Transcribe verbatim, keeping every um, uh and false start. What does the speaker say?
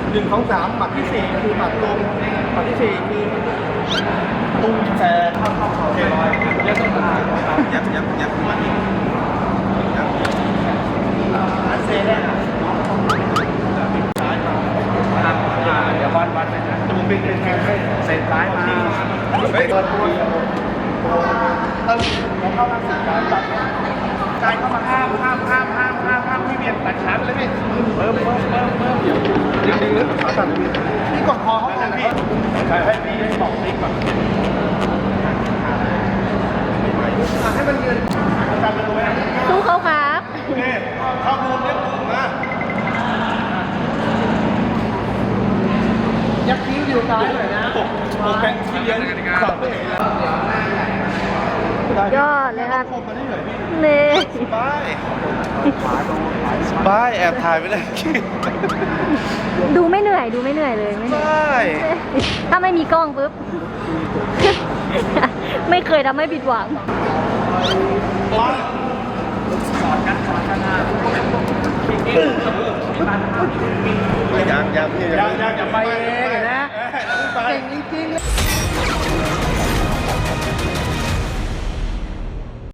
หนึ่งสองสามหมัดที่สี่คือหมัดลมหมัดที่สี่คือตุ้งแชร์เข้าเข้าเขาเทลอยเรียกต้องมายับยับยับมาอีกยับอันเซ่ได้ครับซ้ายมาเดี๋ยวบอลบอลไปนะตูเป็นเป็นแค่เซนซ้ายมาเฮ้ยเปิดตัวตึ้งแล้วเข้ามาสี่การตัดการเข้ามาห้ามห้ามห้ามห้ามห้ามห้ามพี่เบียร์ตัดขาไปเลยพี่เพิ่มเพิ่มเพิ่มเพิ่มเดี๋ยวเดี๋ยวดึงขาตัดพี่กดคอเขาเลยพี่ใครให้พี่ให้บอกติ๊กก่อนให้มันยืนการไปดูไหมสู้เขาครับนี่เข้ามุมเล็บมุมนะยักคิ้วอยู่ซ้ายหน่อยนะผมเป็นที่เลี้ยงสับไปยอดเลยครับคมมาได้เหนื่อยพี่เน่สบายสบายแอบถ่ายไปเลยดูไม่เหนื่อยดูไม่เหนื่อยเลยไม่สเหนื่อยบายถ้าไม่มีกล้องปุ๊บ ไม่เคยทำให้ผิดหวังสอนกันสอนกันนะยังยังยังยังอย่าไปเองนะเก่งจริงๆ